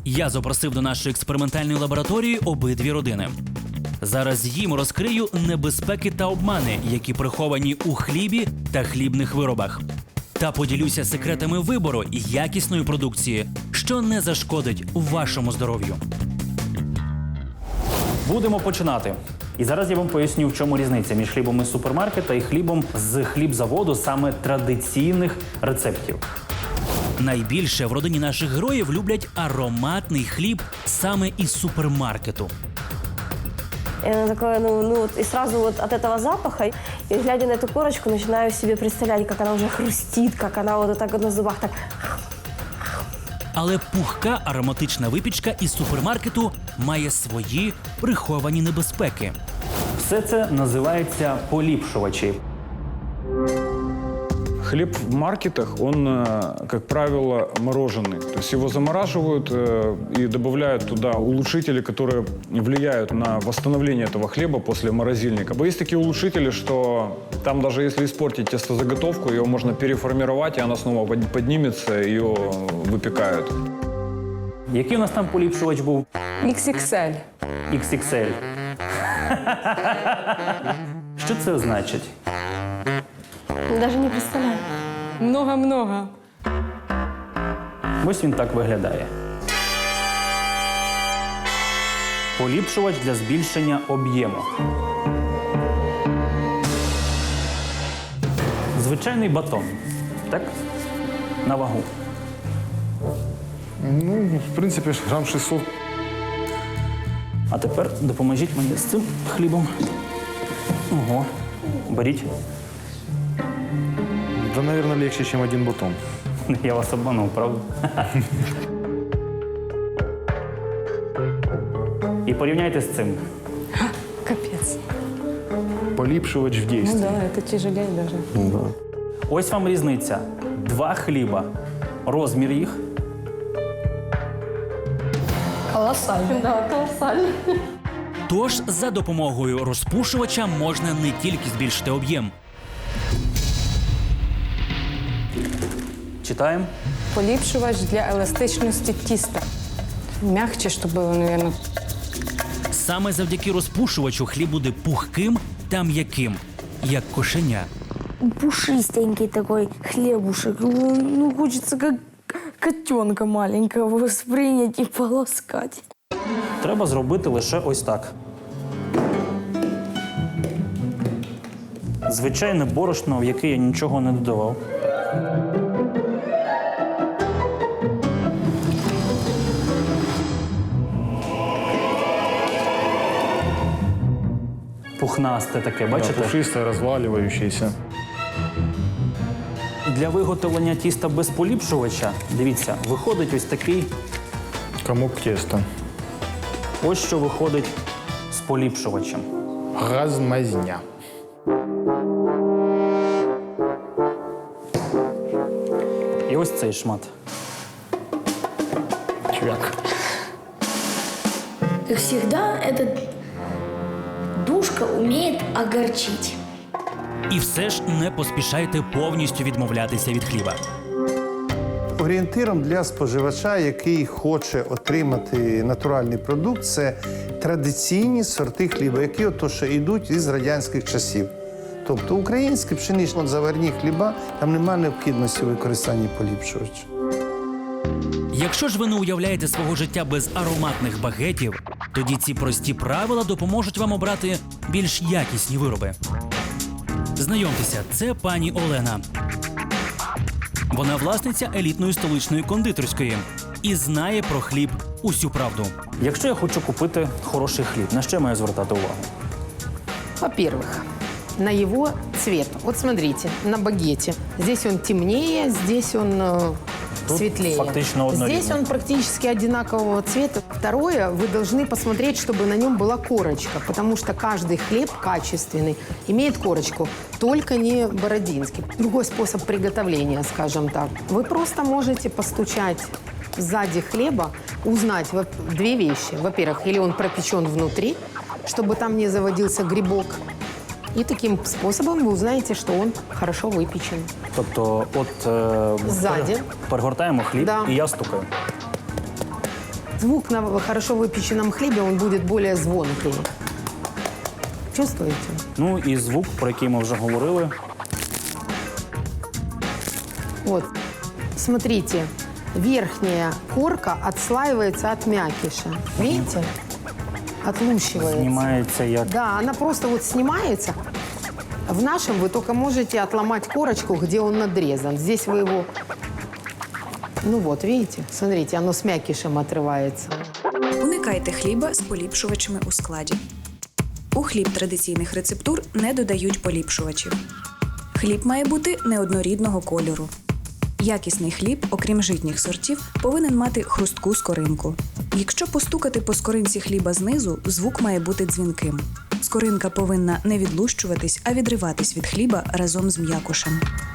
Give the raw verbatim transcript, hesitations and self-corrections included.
Я запросив до нашої експериментальної лабораторії обидві родини. Зараз їм розкрию небезпеки та обмани, які приховані у хлібі та хлібних виробах. Та поділюся секретами вибору якісної продукції, що не зашкодить вашому здоров'ю. Будемо починати. І зараз я вам поясню, в чому різниця між хлібом із супермаркета і хлібом з хлібзаводу саме традиційних рецептів. Найбільше в родині наших героїв люблять ароматний хліб саме із супермаркету. И она такое, ну, ну вот, и сразу вот от этого запаха, и глядя на эту корочку, начинаю себе представлять, как она уже хрустит, как она вот так вот на зубах так. Але пухка ароматична випічка із супермаркету має свої приховані небезпеки. Все це називається поліпшувачі. Хлеб в маркетах, он, э, как правило, мороженый. То есть его замораживают э, и добавляют туда улучшители, которые влияют на восстановление этого хлеба после морозильника. Есть такие улучшители, что там даже если испортить тестозаготовку, ее можно переформировать, и она снова под- поднимется, ее выпекают. Який у нас там поліпшувач був? ікс ікс ель. ікс ікс ель. Що це значить? Даже не представляю. Много-много. Ось він так виглядає. Поліпшувач для збільшення об'єму. Звичайний батон. Так? На вагу. Ну, в принципі, грам шістсот. А тепер допоможіть мені з цим хлібом. Ого. Беріть. Да, наверное, легче, чем один батон. Я вас обманув, правда? І порівняйте з цим. Капец. Полипшивач в Ну действии. да, это тяжелее даже. Ось вам різниця. Два хліба. Розмір їх. Колоссально. Да, колоссально. Тож за допомогою розпушувача можна не тільки збільшити об'єм. Читаємо. Поліпшувач для еластичності тіста. Мягче, щоб було, наверное. Саме завдяки розпушувачу хліб буде пухким та м'яким, як кошеня. Пушистенький такой хлебушек. Ну, хочется как котенка маленького воспринять и полоскать. Треба зробити лише ось так. Звичайне борошно, в яке я нічого не додавав. Пухнасте таке, Да, бачите? пушистое, разваливающееся. Для виготовлення тіста без поліпшувача, дивіться, виходить ось такий, Комок теста. ось що виходить з поліпшувачем. Размазня. І ось цей шмат. Чвяк. Как всегда, эта душка умеет огорчить. І все ж не поспішайте повністю відмовлятися від хліба. Орієнтиром для споживача, який хоче отримати натуральний продукт, це традиційні сорти хліба, які ото що йдуть із радянських часів. Тобто українські пшенично-заварні хліба, там немає необхідності використання поліпшувача. Якщо ж ви не уявляєте свого життя без ароматних багетів, тоді ці прості правила допоможуть вам обрати більш якісні вироби. Знайомтеся, це пані Олена. Вона власниця елітної столичної кондитерської і знає про хліб усю правду. Якщо я хочу купити хороший хліб, на що я маю звертати увагу? Во-первых, на его цвет. Вот смотрите, на багете. Здесь он темнее, здесь он э, Тут светлее. фактично одно Здесь рівне. он практически одинакового цвета. Второе, вы должны посмотреть, чтобы на нем была корочка, потому что каждый хлеб качественный имеет корочку, только не бородинский. Другой способ приготовления, скажем так. Вы просто можете постучать сзади хлеба, узнать во- две вещи. Во-первых, или он пропечен внутри, чтобы там не заводился грибок. И таким способом вы узнаете, что он хорошо выпечен. Тобто, от е, Ззаді. пере- перегортаємо хліб Да. і я стукаю. Звук на хорошо выпеченном хлебе, он будет более звонкий. Чувствуете? Ну і звук, про який ми вже говорили. Вот. Смотрите, верхняя корка отслаивается от мякиша. Видите? Отлущивается. Знімається як Да, она просто вот снимается. В нашем вы только можете отломать корочку, где он надрезан. Здесь вы его... Ну вот, видите? Смотрите, оно с мякишем отрывается. Уникайте хліба з поліпшувачами у складі. У хліб традиційних рецептур не додають поліпшувачів. Хліб має бути неоднорідного кольору. Якісний хліб, окрім житніх сортів, повинен мати хрустку скоринку. Якщо постукати по скоринці хліба знизу, звук має бути дзвінким. Скоринка повинна не відлущуватись, а відриватись від хліба разом з м'якушем.